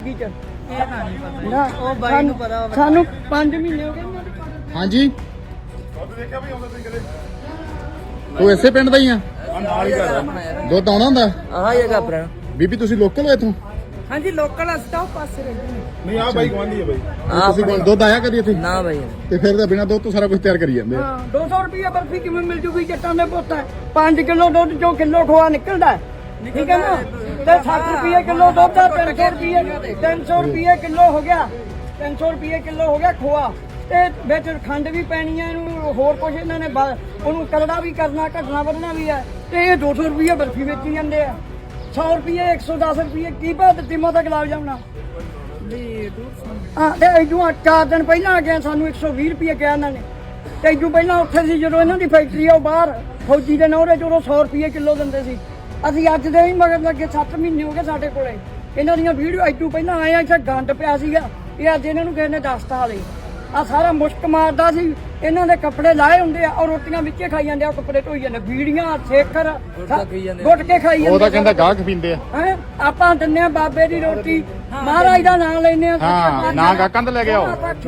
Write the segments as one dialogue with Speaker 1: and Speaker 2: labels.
Speaker 1: ਜ਼ਿੰਦਗੀ ਚ
Speaker 2: ਇਹ ਤਾਂ ਨਹੀਂ ਪਤਾ
Speaker 1: ਨਾ
Speaker 2: ਉਹ ਬਾਈ ਨੂੰ ਪਤਾ ਹੋਵੇ।
Speaker 1: ਸਾਨੂੰ 5 ਮਹੀਨੇ ਹੋ ਗਏ।
Speaker 3: ਹਾਂਜੀ ਤੂੰ ਇਸੇ ਪਿੰਡ ਦਾ ਹੀ ਆ? ਦੁੱਧ ਆਉਣਾ ਹੁੰਦਾ?
Speaker 2: ਆਹ ਜਗ੍ਹਾ ਆਪਣਾ
Speaker 3: ਬੀਬੀ ਤੁਸੀਂ ਲੋਕਲ ਹੋ ਇੱਥੋਂ?
Speaker 1: ਹਾਂਜੀ ਲੋਕਲ ਹਸਤਾ ਉਹ ਪਾਸੇ ਰਹਿੰਦੇ ਨੇ।
Speaker 4: ਨਹੀਂ ਆ ਬਾਈ ਗਵਾਂਢੀ ਹੈ ਬਾਈ।
Speaker 3: ਤੁਸੀਂ ਕੋਲ ਦੁੱਧ ਆਇਆ ਕਦੀ ਇੱਥੇ?
Speaker 2: ਨਾ ਬਾਈ
Speaker 3: ਤੇ ਫਿਰ ਤਾਂ ਬਿਨਾਂ ਦੁੱਧ ਤੋਂ ਸਾਰਾ ਕੁਝ ਤਿਆਰ ਕਰੀ ਜਾਂਦੇ ਆ।
Speaker 1: ਹਾਂ 200 ਰੁਪਏ ਬਰਫੀ ਕਿਵੇਂ ਮਿਲ ਜੂਗੀ ਜੱਟਾਂ ਦੇ ਪੁੱਤ 5 ਕਿਲੋ ਦੁੱਧ ਚੋਂ ਕਿਲੋ ਖੋਆ ਨਿਕਲਦਾ ਠੀਕ ਹੈ ਨਾ ਤੇ 60 ਰੁਪਏ ਕਿਲੋ ਦੁੱਧ ਦਾ 300 ਰੁਪਏ ਕਿਲੋ ਹੋ ਗਿਆ 300 ਰੁਪਏ ਕਿਲੋ ਹੋ ਗਿਆ ਖੋਆ ਤੇ ਵਿੱਚ ਖੰਡ ਵੀ ਪੈਣੀ ਹੈ ਇਹਨੂੰ ਹੋਰ ਕੁਝ ਇਹਨਾਂ ਨੇ ਉਹਨੂੰ ਕਰੜਾ ਵੀ ਕਰਨਾ ਘਟਣਾ ਵਧਣਾ ਵੀ ਹੈ ਤੇ ਇਹ 200 ਰੁਪਏ ਬਰਫੀ ਵੇਚੀ ਜਾਂਦੇ ਆ 100 ਰੁਪਏ 110 ਰੁਪਏ ਕੀ ਬਾਤ ਤਿਮਾ ਦਾ ਗੁਲਾਬ ਜਾਮਣਾ ਹਾਂ ਤੇ ਇਦੋਂ 4 ਦਿਨ ਪਹਿਲਾਂ ਆ ਗਿਆ ਸਾਨੂੰ 120 ਰੁਪਏ ਕਿਹਾ ਇਹਨਾਂ ਨੇ ਤੇ ਇਦੋਂ ਪਹਿਲਾਂ ਉੱਥੇ ਸੀ ਜਦੋਂ ਇਹਨਾਂ ਦੀ ਫੈਕਟਰੀ ਆ ਉਹ ਬਾਹਰ ਫੌਜੀ ਦੇ ਨੌਰੇ ਜਦੋਂ 100 ਰੁਪਏ ਕਿਲੋ ਦਿੰਦੇ ਸੀ ਅਸੀਂ ਅੱਜ ਦੇ ਹੀ ਮਗਰ ਲੱਗੇ 7 ਮਹੀਨੇ ਹੋ ਗਏ ਸਾਡੇ ਕੋਲੇ ਇਹਨਾਂ ਦੀਆਂ ਵੀਡੀਓ ਇਦੋਂ ਪਹਿਲਾਂ ਆਇਆ ਇੱਥੇ ਗੰਦ ਪਿਆ ਸੀਗਾ ਇਹ ਅੱਜ ਇਹਨਾਂ ਨੂੰ ਕਿਸੇ ਨੇ ਦੱਸਤਾ ਹਾਲੇ ਆ ਸਾਰਾ ਮੁਸ਼ਕ ਮਾਰਦਾ ਸੀ ਇਹਨਾਂ ਦੇ ਕੱਪੜੇ ਲਾਏ ਹੁੰਦੇ ਆ ਔਰ ਰੋਟੀਆਂ ਵਿੱਚੇ ਖਾਈ ਜਾਂਦੇ ਆ ਕੱਪੜੇ ਧੋਈ ਜਾਂਦੇ ਬੀੜੀਆਂ ਸੇਖਰ ਗੁੱਟ ਕੇ ਖਾਈ ਜਾਂਦੇ।
Speaker 3: ਉਹ ਤਾਂ ਕਹਿੰਦਾ ਗਾਹਕ ਪੀਂਦੇ ਆ।
Speaker 1: ਹੈ ਆਪਾਂ ਦਿੰਨੇ ਆ ਬਾਬੇ ਦੀ ਰੋਟੀ ਮਹਾਰਾਜ ਦਾ ਨਾਮ ਲੈਨੇ ਆ
Speaker 3: ਹਾਂ ਨਾ ਗਾਹਕਾਂ ਤੋਂ ਲੈ ਕੇ ਆਓ।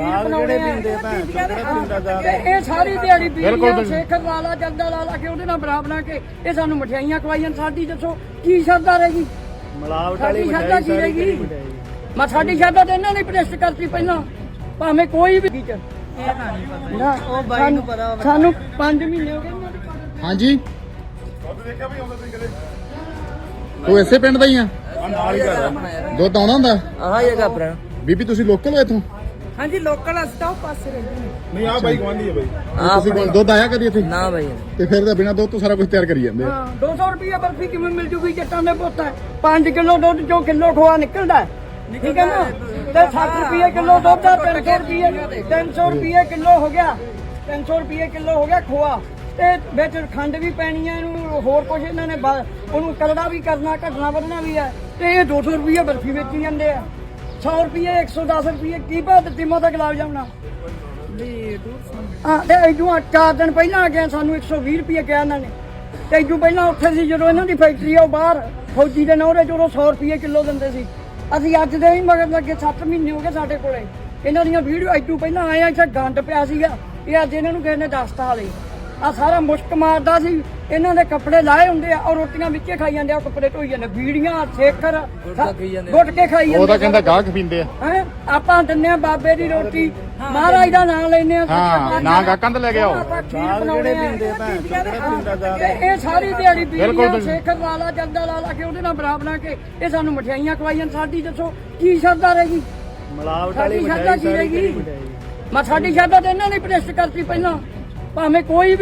Speaker 1: ਇਹ ਸਾਰੀ ਦਿਹਾੜੀ ਬੀੜੀਆਂ ਸੇਖਰ ਲਾਲਾ ਜੰਦਾ ਲਾਲਾ ਕੇ ਉਹਦੇ ਨਾਲ ਬਣਾ ਕੇ ਇਹ ਸਾਨੂੰ ਮਠਿਆਈਆਂ ਖਵਾਈਆਂ ਸਾਡੀ ਦੱਸੋ ਕੀ ਸ਼ਰਧਾ ਰਹੇਗੀ
Speaker 4: ਮਲਾਵਟ ਵਾਲੀ
Speaker 1: ਸ਼ਰਧਾ ਕੀ ਰਹੇਗੀ ਮੈਂ ਸਾਡੀ ਸ਼ਰਧਾ ਤੇ ਇਹਨਾਂ ਨੇ ਪ੍ਰੈਸਟ ਕਰਤੀ ਪਹਿਲਾਂ ਭਾਵੇਂ ਕੋਈ ਵੀ
Speaker 2: ਇਹ ਤਾਂ ਨਹੀਂ ਪਤਾ
Speaker 1: ਨਾ
Speaker 2: ਉਹ ਬਾਈ ਨੂੰ ਪਤਾ ਹੋਵੇ।
Speaker 1: ਸਾਨੂੰ 5 ਮਹੀਨੇ ਹੋ ਗਏ।
Speaker 3: ਹਾਂਜੀ
Speaker 4: ਦੇਖਿਆ ਵੀ ਆਉਂਦਾ ਤੁਸੀਂ ਕਦੇ?
Speaker 3: ਤੂੰ ਇਸੇ ਪਿੰਡ ਦਾ ਹੀ ਆ?
Speaker 4: ਨਾਲ ਹੀ ਘਰ
Speaker 3: ਦੁੱਧ ਆਉਣਾ ਹੁੰਦਾ?
Speaker 2: ਆਹ ਜਗ੍ਹਾ ਆਪਣਾ
Speaker 3: ਬੀਬੀ ਤੁਸੀਂ ਲੋਕਲ ਹੋ ਇੱਥੋਂ?
Speaker 1: ਹਾਂਜੀ ਲੋਕਲ ਹਸਤਾ ਉਹ ਪਾਸੇ ਰਹਿੰਦੇ ਨੇ।
Speaker 4: ਨਹੀਂ ਆ ਬਾਈ ਗਵਾਂਢੀ ਹੈ ਬਾਈ।
Speaker 3: ਤੁਸੀਂ ਕੋਲ ਦੁੱਧ ਆਇਆ ਕਦੀ ਇੱਥੇ?
Speaker 2: ਨਾ ਬਾਈ
Speaker 3: ਤੇ ਫਿਰ ਤਾਂ ਬਿਨਾਂ ਦੁੱਧ ਤੋਂ ਸਾਰਾ ਕੁਝ ਤਿਆਰ ਕਰੀ ਜਾਂਦੇ ਆ।
Speaker 1: ਹਾਂ 200 ਰੁਪਏ ਬਰਫੀ ਕਿਵੇਂ ਮਿਲ ਜੂਗੀ ਜੱਟਾਂ ਦੇ ਪੁੱਤ 5 ਕਿਲੋ ਦੁੱਧ ਚੋਂ ਕਿਲੋ ਖੋਆ ਨਿਕਲਦਾ ਠੀਕ ਹੈ ਨਾ ਤੇ 60 ਰੁਪਏ ਕਿਲੋ ਦੁੱਧ ਦਾ 300 ਰੁਪਏ ਕਿਲੋ ਹੋ ਗਿਆ 300 ਰੁਪਏ ਕਿਲੋ ਹੋ ਗਿਆ ਖੋਆ ਤੇ ਵਿੱਚ ਖੰਡ ਵੀ ਪੈਣੀ ਹੈ ਇਹਨੂੰ ਹੋਰ ਕੁਝ ਇਹਨਾਂ ਨੇ ਉਹਨੂੰ ਕਰੜਾ ਵੀ ਕਰਨਾ ਘਟਣਾ ਵਧਣਾ ਵੀ ਹੈ ਤੇ ਇਹ 200 ਰੁਪਏ ਬਰਫੀ ਵੇਚੀ ਜਾਂਦੇ ਆ 100 ਰੁਪਏ 110 ਰੁਪਏ ਕੀ ਬਾਤ ਤਿਮਾ ਦਾ ਗੁਲਾਬ ਜਾਮਣਾ ਹਾਂ ਤੇ ਇਦੋਂ 4 ਦਿਨ ਪਹਿਲਾਂ ਆ ਗਿਆ ਸਾਨੂੰ 120 ਰੁਪਏ ਕਿਹਾ ਇਹਨਾਂ ਨੇ ਤੇ ਇਦੋਂ ਪਹਿਲਾਂ ਉੱਥੇ ਸੀ ਜਦੋਂ ਇਹਨਾਂ ਦੀ ਫੈਕਟਰੀ ਆ ਉਹ ਬਾਹਰ ਫੌਜੀ ਦੇ ਨੌਰੇ ਜਦੋਂ 100 ਰੁਪਏ ਕਿਲੋ ਦਿੰਦੇ ਸੀ ਅਸੀਂ ਅੱਜ ਦੇ ਹੀ ਮਗਰ ਲੱਗੇ 7 ਮਹੀਨੇ ਹੋ ਗਏ ਸਾਡੇ ਕੋਲੇ ਇਹਨਾਂ ਦੀਆਂ ਵੀਡੀਓ ਇਦੋਂ ਪਹਿਲਾਂ ਆਇਆ ਇੱਥੇ ਗੰਦ ਪਿਆ ਸੀਗਾ ਇਹ ਅੱਜ ਇਹਨਾਂ ਨੂੰ ਕਿਸੇ ਨੇ ਦੱਸਤਾ ਹਾਲੇ ਆ ਸਾਰਾ ਮੁਸ਼ਕ ਮਾਰਦਾ ਸੀ ਇਹਨਾਂ ਦੇ ਕੱਪੜੇ ਲਾਏ ਹੁੰਦੇ ਆ ਔਰ ਰੋਟੀਆਂ ਵਿੱਚੇ ਖਾਈ ਜਾਂਦੇ ਆ ਕੱਪੜੇ ਧੋਈ ਜਾਂਦੇ ਬੀੜੀਆਂ ਸੇਖਰ ਗੁੱਟ ਕੇ ਖਾਈ ਜਾਂਦੇ।
Speaker 3: ਉਹ ਤਾਂ ਕਹਿੰਦਾ ਗਾਹਕ ਪੀਂਦੇ ਆ।
Speaker 1: ਹੈ ਆਪਾਂ ਦਿੰਨੇ ਆ ਬਾਬੇ ਦੀ ਰੋਟੀ ਮਹਾਰਾਜ ਦਾ ਨਾਮ ਲੈਨੇ ਆ
Speaker 3: ਹਾਂ ਨਾ ਗਾਹਕਾਂ ਤੋਂ ਲੈ ਕੇ ਆਓ।
Speaker 1: ਇਹ ਸਾਰੀ ਦਿਹਾੜੀ ਬੀੜੀਆਂ ਸੇਖਰ ਲਾਲਾ ਜੰਦਾ ਲਾਲਾ ਕੇ ਉਹਦੇ ਨਾਲ ਬਣਾ ਕੇ ਇਹ ਸਾਨੂੰ ਮਠਿਆਈਆਂ ਖਵਾਈਆਂ ਸਾਡੀ ਦੱਸੋ ਕੀ ਸ਼ਰਧਾ ਰਹੇਗੀ
Speaker 4: ਮਲਾਵਟ ਵਾਲੀ
Speaker 1: ਸ਼ਰਧਾ ਕੀ ਰਹੇਗੀ ਮੈਂ ਸਾਡੀ ਸ਼ਰਧਾ ਤੇ ਇਹਨਾਂ ਨੇ ਪ੍ਰੈਸਟ ਕਰਤੀ ਪਹਿਲਾਂ ਭਾਵੇਂ ਕੋਈ ਵੀ